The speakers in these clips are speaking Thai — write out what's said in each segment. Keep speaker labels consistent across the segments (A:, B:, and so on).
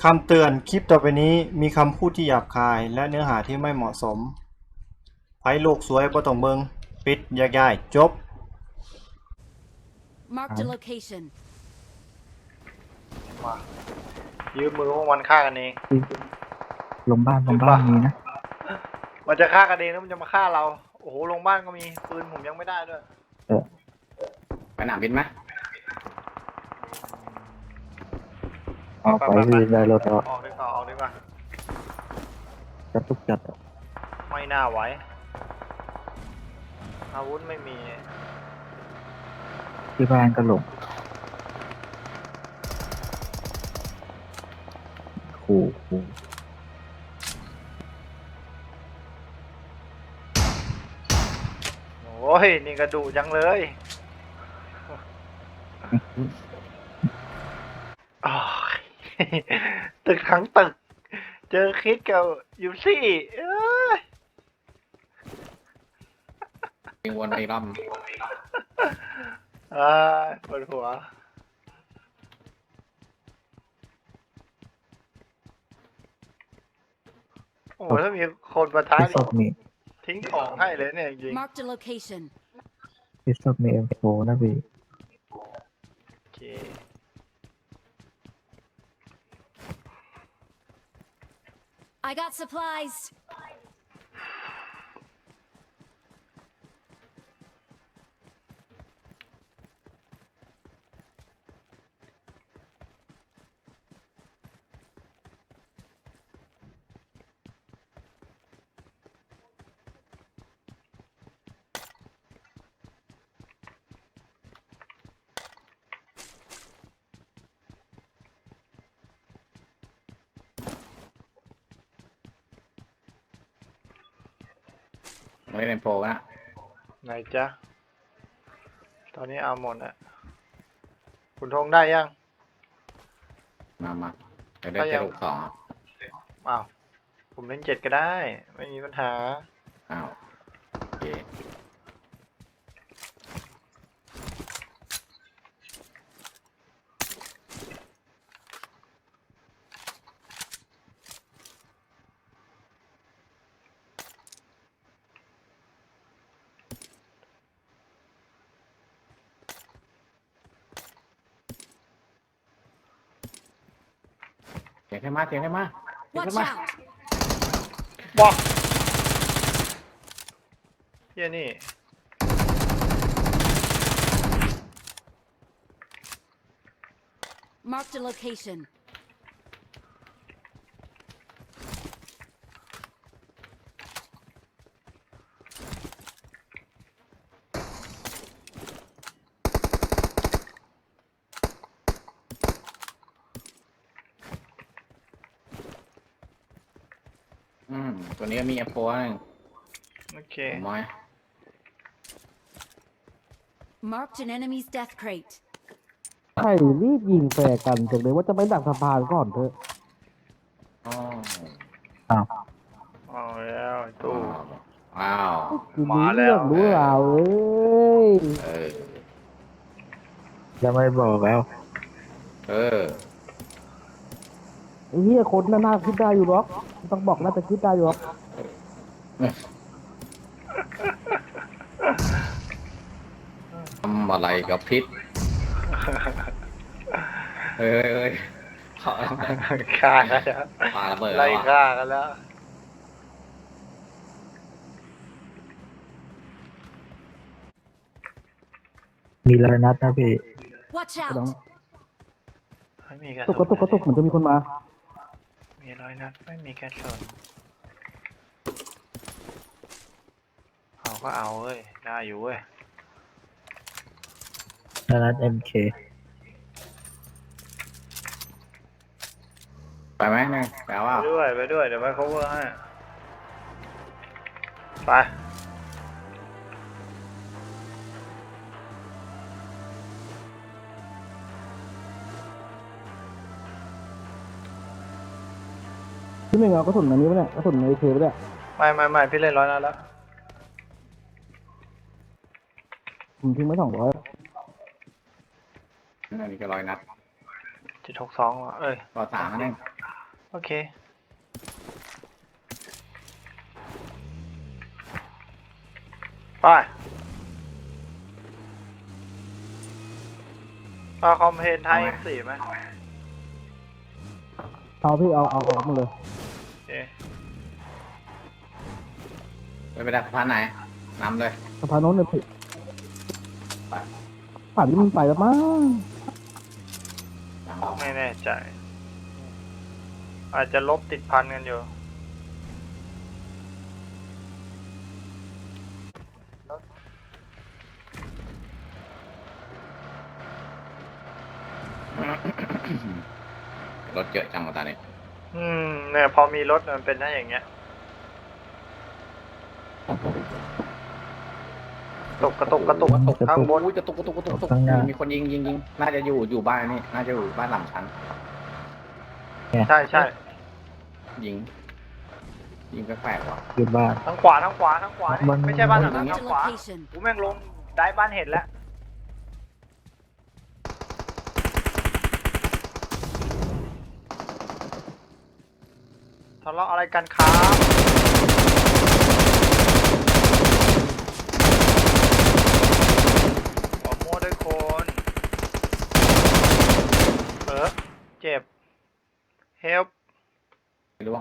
A: คำเตือนคลิปต่อไปนี้มีคำพูดที่หยาบคายและเนื้อหาที่ไม่เหมาะสมไผโลกสวยบ่ต้องเบิงปิดแยกย้ายจบ
B: Marked a location.
A: มายืมมือพวกมันฆ่ากันเอง
C: ลงบ้านมีนะ
A: มันจะฆ่ากันเองแล้วมันจะมาฆ่าเราโอ้โหลงบ้านก็มีปืนผมยังไม่ได้ด้วย
D: ไปหนามบินไหม
C: ออกไปที่ได้รถออก
A: ออกดีกว่าออกดีกว่า
C: จัดทุกจัดอะ
A: ไม่น่าไหวอาวุธไม่มี
C: ที่บ้านก็หลงขู่
A: โอ้ยนี่กระดูจังเลยอ้าว ตึกทั้งตึก เจอคิดกับยูซี่เอ้ย
D: ยิงวนไปอีกรอบ
A: อ่าปวดหัวโอ้โหถ้ามีคนประทะ
C: ที่ศพมี
A: ทิ้งของให้เลยเนี่ยจริง
B: Marked a location.
C: ที่ศพมีเอ็มโฟนะพี่
A: โอเค
B: I got supplies.
D: ไม่ได้เป็นโปรนะ
A: ไหนจ๊ะ ตอนนี้เอาหมดอะคุณธงได้ยัง
D: มาเดี๋ยวได้
A: ก็ยั
D: เจ็ด
A: ง
D: หกสอง
A: อ้าว ผมเล่น7ก็ได้ ไม่มีปัญหา
D: อ้าวโอเค เสียงขึ้นมาเสียงขึ้นมาเสียง
B: Watch
D: ขึ้นมา
B: out.
A: บอกเฮียนี่
B: Marked a location.
D: ตัวนี้ก็มีเอฟโฟนึง
A: โอเค
D: ผมมอย
B: Marked an enemy's death crate.
E: ใช่รีบยิงแฟร์กันจังเลยว่าจะไปดักสะพานก่อนเถอะ
D: อ๋อ
A: เอาแล้วไอ้ตู้
D: อ้าว
E: คือ
A: มา
E: รู้
A: แล้
E: เรื่อ
A: ว
E: งรู้ราวเอ้ย
D: เออ
C: จะไม่บอกแล้ว
D: เออ
E: ไอ้เหี้ยคนน่าคิดได้อยู่หรอกต้องบอกน่าจะคิดได้อยู่หรอก
D: ทำอะไรกับพิษเฮ้ยเขา
A: ฆ่ากันแล้ว
D: ปาระเบิด
A: ไล่
D: แล้ว
A: ฆ่ากันแล้ว
C: มีรอยนัดนะพี่
B: Watch
E: ก็ต้อง
B: out.
A: ไม่มีกระ
E: ตุ
A: สุ
E: กกระตุกกระตุกเหมือนจะมีคนมา
A: มีร้อยนัดไม่มีกระสุนเอาก็เอาเว้ย ได้อยู่เว้ย
C: รอยนัดเอ็มเค
D: ไปไหมเนี่ยแปลว่า
A: ไปด้วยไปด้วย เดี๋ยวไป cover ให้ ไป
E: ที่ไม่เอากระสุนอันนี้ปะเนี่ยกระสุนในเคปะเนี่ย
A: ไม่พี่เล่นร้อยนัดแล้ว
E: ผมทิ้งไว้200
D: อันนี้ก็100 นัด
A: 762เอ้ย
D: ต่อ3นั่นเอง
A: โอเคไปเอาคอมเพลนไทย M4 ไหม
E: เอาพี่เอามาเลย
A: โอเค
D: ไปดักสะพานไหนนำเลย
E: สะพานโน้นเลยพี่ป่านนี้มันไปแล้วมั้ง
A: ไม่แน่ใจ อาจจะลบติดพันกันอยู่
D: รถเยอะจังวะตอนนี้
A: เนี่ยพอมีรถมันเป็นได้อย่างเงี้ย กระตุกข้างบน
D: อุ้ยกระตุกมีคนยิงน่าจะอยู่บ้านนี่น่าจะอยู่บ้านหลังชั้น
A: ใช่
D: ยิงแปลกๆว่ะ
C: อยู่บ้าน
A: ทั้งขวานี่ไม่ใช่บ้านหลังนั้น
B: Marked
A: ทา
B: a
A: งขวา
B: location.
A: กูแม่งลงได้บ้านเห็ดแล้วทะเลาะอะไรกันครับขอโม้ด้วยคนเจ็บ help
D: ไม่รู้ว่า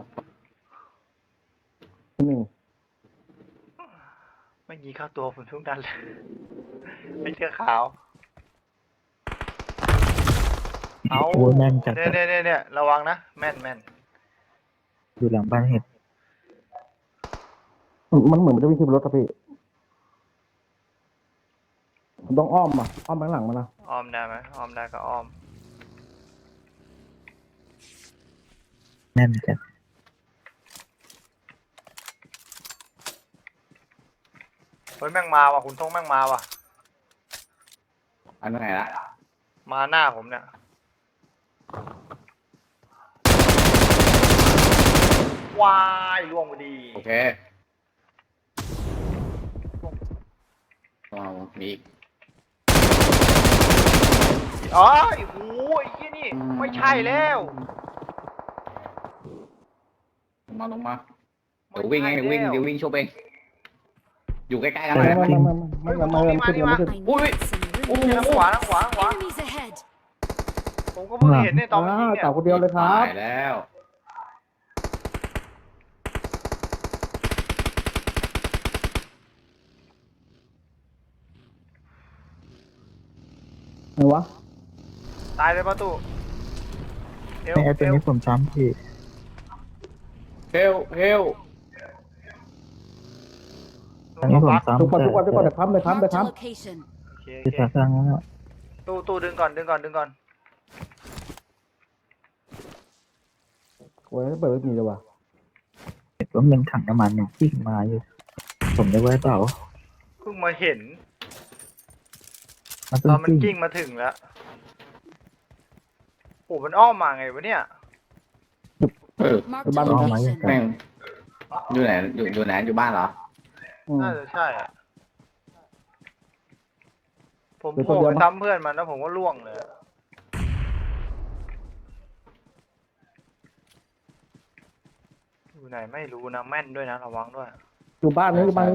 E: หนึ่ง
A: ไม่ยีเข้าตัวผมทุกนั้นเลย ไม่เสื้อขาว เอา
C: โอ้ยแม่นจัด
A: เนี่ยระวังนะ แม่น
C: อยู่หลังบ้านเห็ด
E: มันเหมือนมันจะวิ่งขึ้นรถครับพี่ผมต้องอ้อมอ้อมไปข้างหลังมันนะ
A: อ้อมได้ไหมอ้อมได้ก็อ้อม
C: แม่นจัด
A: เฮ้ยแม่งมาว่ะคุณทงแม่งมาว่ะ
D: อันไหนละ
A: มาหน้าผมเนี่ย วายล่วงพอดี
D: โอเคมีอีก
A: อ๋อโอ้ยไอ้ยี่นี่ไม่ใช่แล้ว
D: ลงมาเดี๋ยววิ่งโชว์เองอยู่ใกล้ๆกัน
E: ไม่
D: เลย
E: ขึ้นไม่ขึ้น
B: I need some relief.
A: ทางขวา
B: Enemies ahead.
A: ผมก็เพิ่งเห็นในตอนมันยิงเนี่ย
E: ต่อคนเดียวเลยครับ
D: ตายแล้ว
E: ไหนวะ
A: ตายเลยประตูเอว
C: ไอ้ตัวนี้ผมซ้ำพี่
D: เฮล
C: อันนี้ผมซ้ำ
E: ทุกคนเดี๋ยวพัม
B: Marked a location.
A: โอเค
C: ที่ตาสร้างแล้ว
A: ตู้ดึงก่อน
E: โอ้ยเปิดไม่มีเลยว่ะ
C: เห็นว่ามันถังน้ำมันมันกิ้งมาอยู่ ผมได้ไว้เปล่า
A: เพิ่งมาเห็น
C: มัน
A: ต
C: ต้อ
A: อง นมัน
C: กิ้ง
A: กิ้งมาถึงแล้วโอ้มันอ้อมมาไงวะเนี่ย
B: Marked a
E: Bắn không máy
B: location.
D: แม่งอยู่ไหนอยู่บ้านเหรอ
A: น่าจะใช่อะผม
E: เดี๋ยว
A: โผล่
E: ตัว
A: ไป
E: เดียวมั้ง
A: ซ้ำเพื่อนมันแล้วผมก็ล่วงเลยอะอยู่ไหนไม่รู้นะแม่นด้วยนะระวังด้วย
E: อยู่บ้านนี้บ้านนี้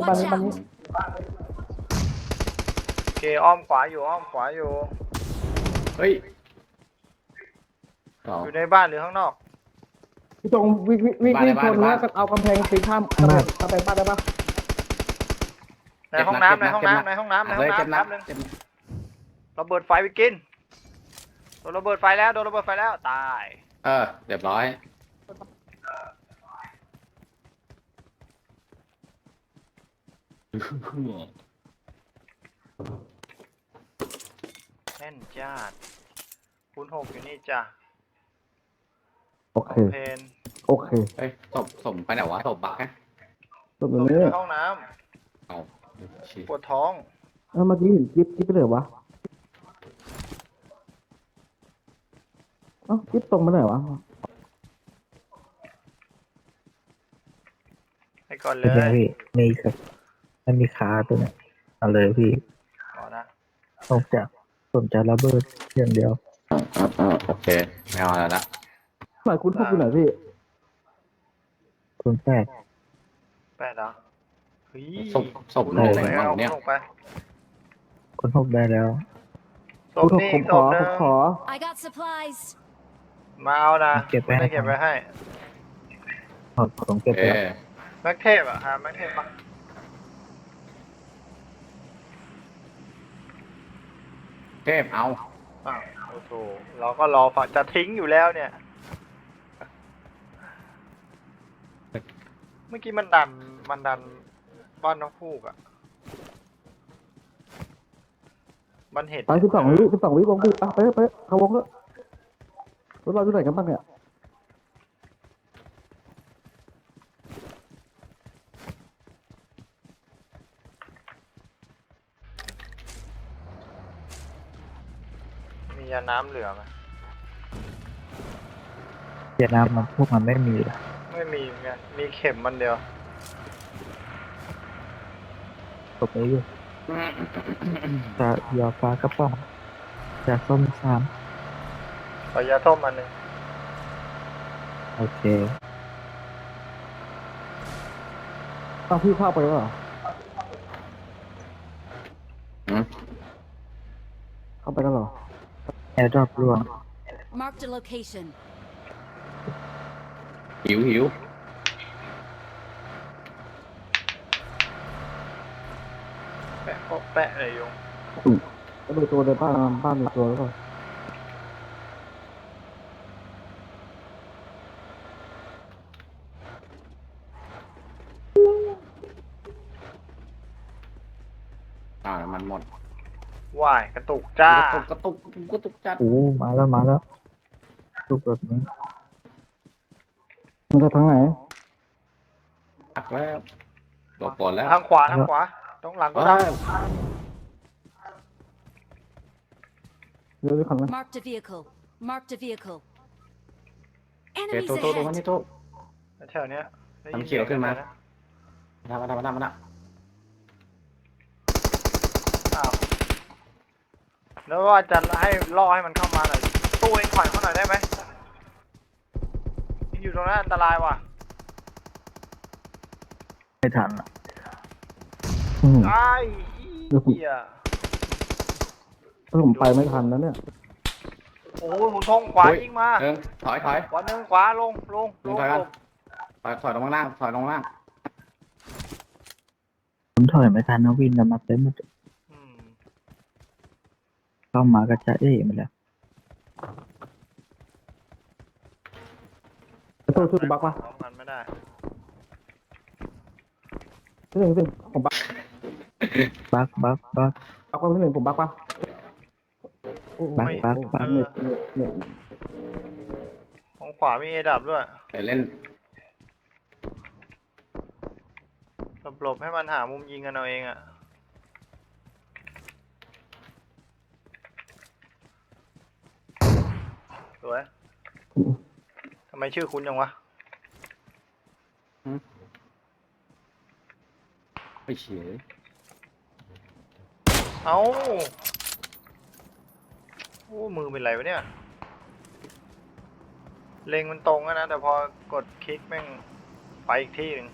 A: โอเคอ้อมขวาอยู่
D: เฮ้ยต่อ
A: อยู่ในบ้านหรือข้างนอก
E: พี่ตรงวิ่งชนแล้วก็เอากำแพงตีข้ามกำแพงบ้านได้ปะ
A: ในห้องน้ำแป๊บนึงระเบิดไฟไปกินโดนระเบิดไฟแล้วตาย
D: เรียบร้อย
A: แน่นจ้าดคูณ6อยู่นี่จ้ะ
E: โอเค
A: เพน
E: โอเค
D: เฮ้ยศพไปไหนวะศพบักฮะ
E: ตรง
A: อยู่
E: นี้
A: ในห้องน้
D: เอา
A: ำปวดท้อง
E: เมื่อกี้เห็นกิ๊บไปเลยวะกิ๊บตรงไปไหนวะ
A: ให้ก่อนเล
C: เป็นไง
A: ย
C: พี่มีครับมันมีขาตัวเนี้ยเอาเลยพี่
A: ขอนะ
C: ผมจะระเบิดอย่างเดียว
D: โอเคไม่เอาแล้วละ
E: หมายคุณพกอยู่ไหนพี่
C: คนแปด
A: แปดเหรอเฮ้ย
D: ศพลงไหนบ้าง
A: เอา
D: เนี่ย
A: ลงไป
C: คนหกได้แล้ว
A: ศพนี่
E: ผม
A: ศ
E: ขอ
A: พนึ
E: ผ
A: ง
E: มขอ
B: I got supplies.
A: มาเอานะ
C: เก็บไว้
A: ไม่ได้เก็บไว้ให้
C: ผมเก็บไป
D: เอ
C: แล้ว
D: อ
A: แม็กเทพอะหาแม็กเทพปะ
D: เทพเอา
A: อ้าวโอ้โหเราก็รอฝักจะทิ้งอยู่แล้วเนี่ย เมื่อกี้มันดันบ้านน้องฟูกอะมันเห็น
E: ไป12 วิวงพี่ไปเข้าวงแล้วรถเราอยู่ไหนกันบ้างเนี่ย
A: มียาน้ำเหลือไหม
C: เวียดนามมันพวกมันไม่มีหรอก
A: ไม่มีเหมือนกันมีเข็มมันเดียว
C: ตบไปอยู่จะยอฟ้ากระป๋องจะส้มสาม
A: ขอยาส้มอันหนึ่ง
C: โอเค
E: ต้องพี่เข้าไปแล้วเหรอ
D: อืม
E: เข้าไปแล้วเหรอ
C: แอร์ดรอปร่วง
B: Marked a location.
D: หิว
A: แปะโป๊ะแปะเลยยง
E: ก็ดูตัวในบ้านมีตัวแล้วก็
D: มันหมด
A: ว่ายกระตุกจ้าก
D: ระตุกจัด
C: โอ้มาแล้วลูกแบบนี้
E: มันจะทางไหน
D: อักแล้วหลบก่อนแล้ว
A: ทางขวาตรงหลังก็ได้
E: เดี๋ยวขันนะ
B: Marked a vehicle. Marked a vehicle.
D: เฮ้ย
B: Enemies
D: โตมัน
B: ahead.
D: นี่โต
A: แถวเนี้ยได้ยิ
D: ทำเขียวขึ้นมา
A: สีง
D: มา
A: อ้าวแล้วว่าจะให้ล่อให้มันเข้ามาหน่อยตู้เองถอยเขาหน่อยได้ไหมอยู่ตรงนั้นอันตรายว่ะ
C: ไม่ทันอะ
A: ไอ้เหี้ย
E: ถ้าผมไปไม่ทันแล้วเนี่ย
A: โอ้ยผมทงขวายิงมา
D: ถอย
A: ขวาหนึ่งขวาลง
D: ถอยกัน ถอยลงล่าง
C: ผมถอยไม่ทันนะวินแล้วมาเต็มหมด
A: อืม
C: เข้ามากระจายมาแล้ว
E: ตัวช่วยบักปะ
A: พร้อมกันไม่ได้
E: ที่หนึ่งผมบัก
C: บัก
E: บักปะที่หนึ่งผมบักปะ
C: บัก
E: เนี่ย
A: ของขวามีเอดับด้วย
D: ไปเล่น
A: หลบให้มันหามุมยิงกันเอาเองอะสวยทำไมชื่อคุณจังวะ
D: ไปเฉย
A: เอ้าโอ้มือเป็นไรวะเนี่ย เล็งมันตรงอะนะ แต่พอกดคลิกแม่งไปอีกที่หนึ่ง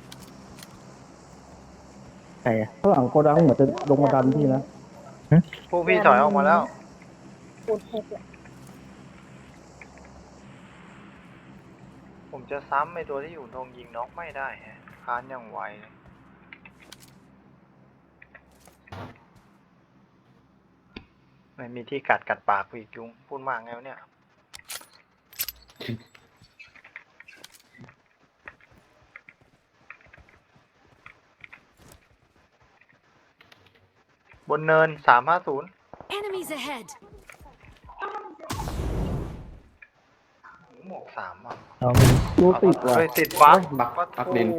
C: ใครอะ
E: ข้างหลังโกดังเหมือนจะลงมาดันพี่นะ
A: พวกพี่ถอยออกมาแล้ว ผมจะซ้ำไอตัวที่อยู่ตรงยิงน็อกไม่ได้ฮะค้านอย่างไวเลยไม่มีที่กัดปากอีกยุงพูดมากไงวะเนี่ย บนเนิน350
B: Enemies ahead.
A: หมวก3อ่ะ
C: เราไม่
E: ตัวติดว่ะ
A: เฮ้ยติดบั๊ก
D: บักดิน
A: โอ้โห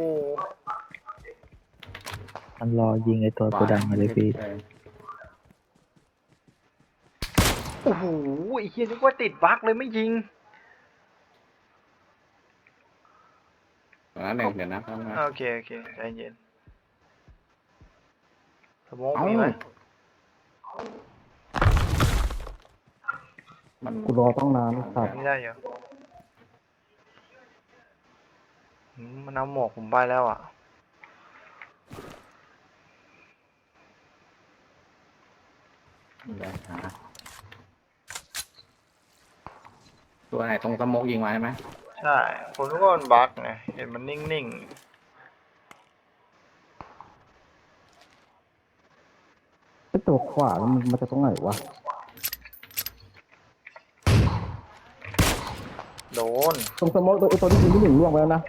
C: มันรอยิงไอตัวโกดังมาเลยพี่
A: โอ้โหไอ้เหี้ยนึกว่าติดบั๊กเลยไม่ยิง
D: เดี๋ยวนะ
A: โอเคใจเย็นสมองมีไหม
D: มัน
E: กูรอต้องนานสัตว์
A: ไม่ได้เหรอมันเอาหมวกผมไปแล้วอ่ะ
D: เดี๋ยวหาตัวไหนตรงสโมกยิงมาใช่ไหม
A: ใช่ผมนึกว่ามันบั๊กไงเห็นมันนิ่งๆ
E: ไอ้ตัวขวามันมาจากตรงไหนวะ
A: โดน
E: ตรงสมองตัวไอ้ตัวที่ยิงที่หนึ่งล่วงไปแล้วนะ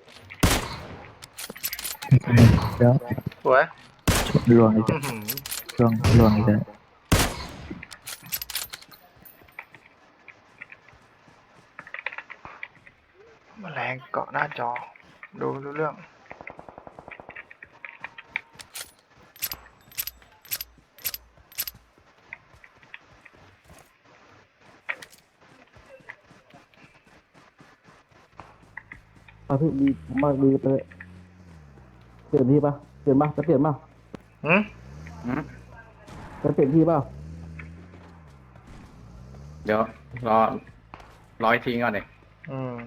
C: เดี๋ยว
A: สวย
C: ลวงอีก
A: อื้อหือ
C: ลวงอีกแล้ว
A: แมลงเกาะหน้าจอ ดูไม่รู้เรื่อง
E: พี่ดีมากดีไปเลยเปลี่ยนที่ปะเปลี่ยนปะจะเปลี่ยนปะ
A: หืม
D: อืม
E: จะเปลี่ยนที่ปะ
D: เดี๋ยวรออีกทีก่อนเด็ก
A: อืม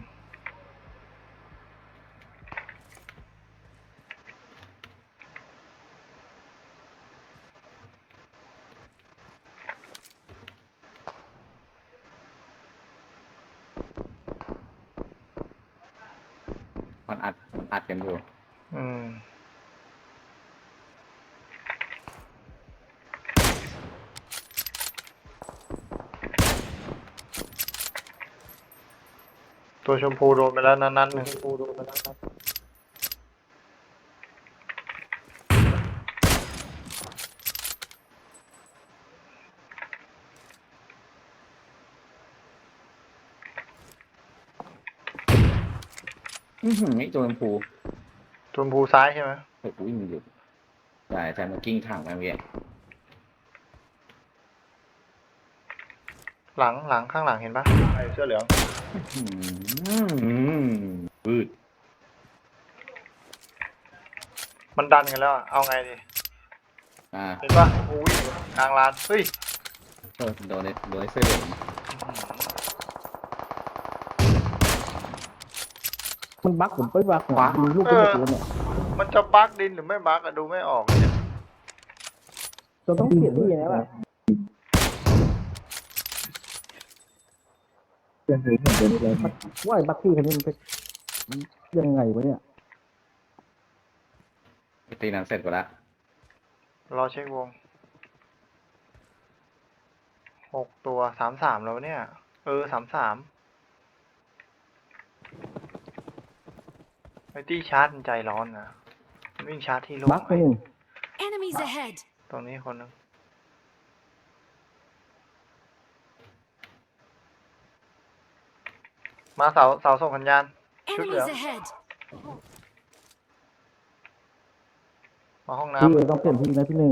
D: มันอัดกันอยู่
A: อืม ตัวชมพูโดนไปแล้วนัดหนึ่ง
D: นี่ตัวชมพู
A: ชมพูซ้ายใช่ไหม
D: เฮ้ยกูวิ่งอยู่ใช่มันกิ้งถังไปเมื่อกี้
A: หลังข้างหลังเห็นปะไอ้เสื้อเหลือง
D: ปืด
A: มันดันกันแล้วอะเอาไงดี เห็นปะโอ้วิ่งอยู่กลางลาน เฮ้ย
D: โดนไอ้เสื้อเหลือง
E: มันบั๊กผมไปบั๊กเนี่ยมีลูกเป็นตัวเนี่ย
A: มันจะบั๊กดินหรือไม่บั๊กอะดูไม่ออกเลยเนี่ย
E: เราต้องเปลี่ยนที่นะป่ะ
C: เพื่อนถือเหมือนเดิมเลย
E: ว่าไอ้บั๊กที่คันนี้มันเป็นยังไงวะเนี่ย
D: ตีนั้นเสร็จกูแล้ว
A: รอเช็ควง 6 ตัว 33แล้วเนี่ย 33ไอ้ที่ชาร์จมันใจร้อนนะมันวิ่งชาร์จที่โล่ง
E: บั๊กไปหนึ่ง
B: Enemies ahead.
A: ตรงนี้คนหนึงมาเสาส่งสัญญาณ ชุดเหลือง
B: Enemies ahead.
A: มาห้อง
E: พี่
A: น้ำ
E: ต้องเปลี่ยนที่นะพี่หนึ่ง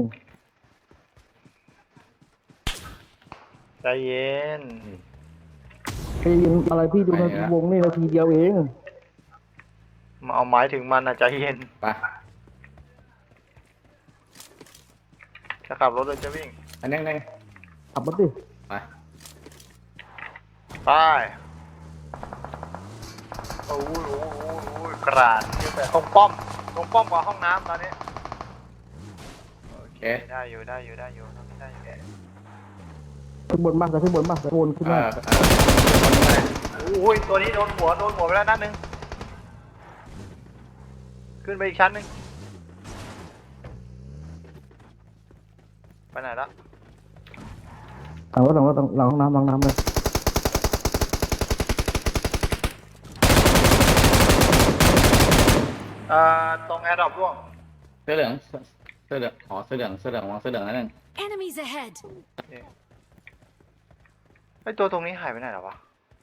A: ใจเย็น
E: ไปยินอะไรพี่ดูในวงนี่นาทีเดียวเอง
A: มาเอาหมายถึงมันอะใจเย็น
D: ไป
A: จะขับรถเลยจะวิ่ง
D: อันนี้ไง
E: ขับรถดิ
D: ไป
A: ไปโอ้ยกราดเยอะไปตรงป้อมกว่าห้องน้ำตอนนี้
D: โอเค
A: ได้อยู่ได้อยู่ตรงนี้ได้อยู่
E: ขึ้นบนมากจะขึ้นบนมากจะโอนขึ้นมา
A: โอ้ยตัวนี้โดนหัวไปแล้วนัดหนึ่งขึ้นไปอีกชั้นหนึ่งไปไหนละ
E: หลังรถหลังห้องน้ำเลย
A: ตรงแอร์ดรอปร่วง
D: เสื้อเหลืองอ๋อเสื้อเหลืองวางเสื้อเหลืองนั่นนึง
B: Enemies ahead.
A: ไอตัวตรงนี้หายไปไหนแล้ววะ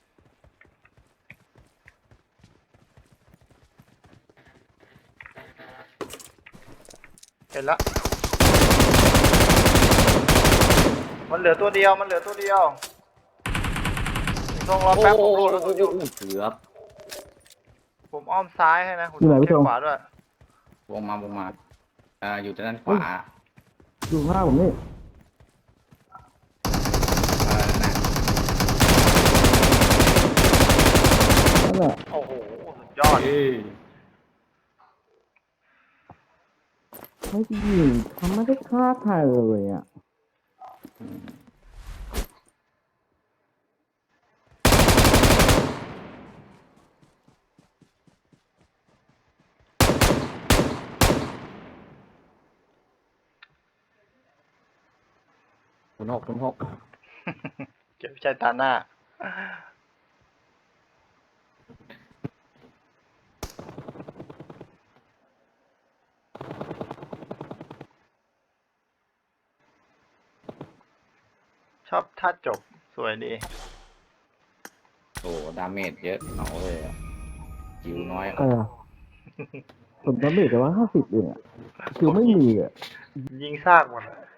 A: เห็นละมันเหลือตัวเดียวต้องรอแป๊บผมโหลดแล้วตัวอยู่
D: เกือบ
A: ผมอ้อมซ้ายให้นะผมเช็คขวาด้วย
D: วงมาอยู่ด้านขวา
E: อยู่ข้างหน้าผมนี่
D: นั่นน่ะ
E: นั่นแหละ
A: โอ้โหสุดยอด
D: เอ้ย
E: ไม่ยิงเขาไม่ได้ฆ่าใครเลยอ่ะ
D: 06
A: เก็บใจตาหน้า ชอบท่าจบสวยดี
D: โอ้ดาเมจเยอะเอาเลยอะจิวน้อย
E: เออผมจำไม่ได้แต่ว่า50เองอ่ะคิวไม่มีอ่ะ
A: ยิงซากหมดอะ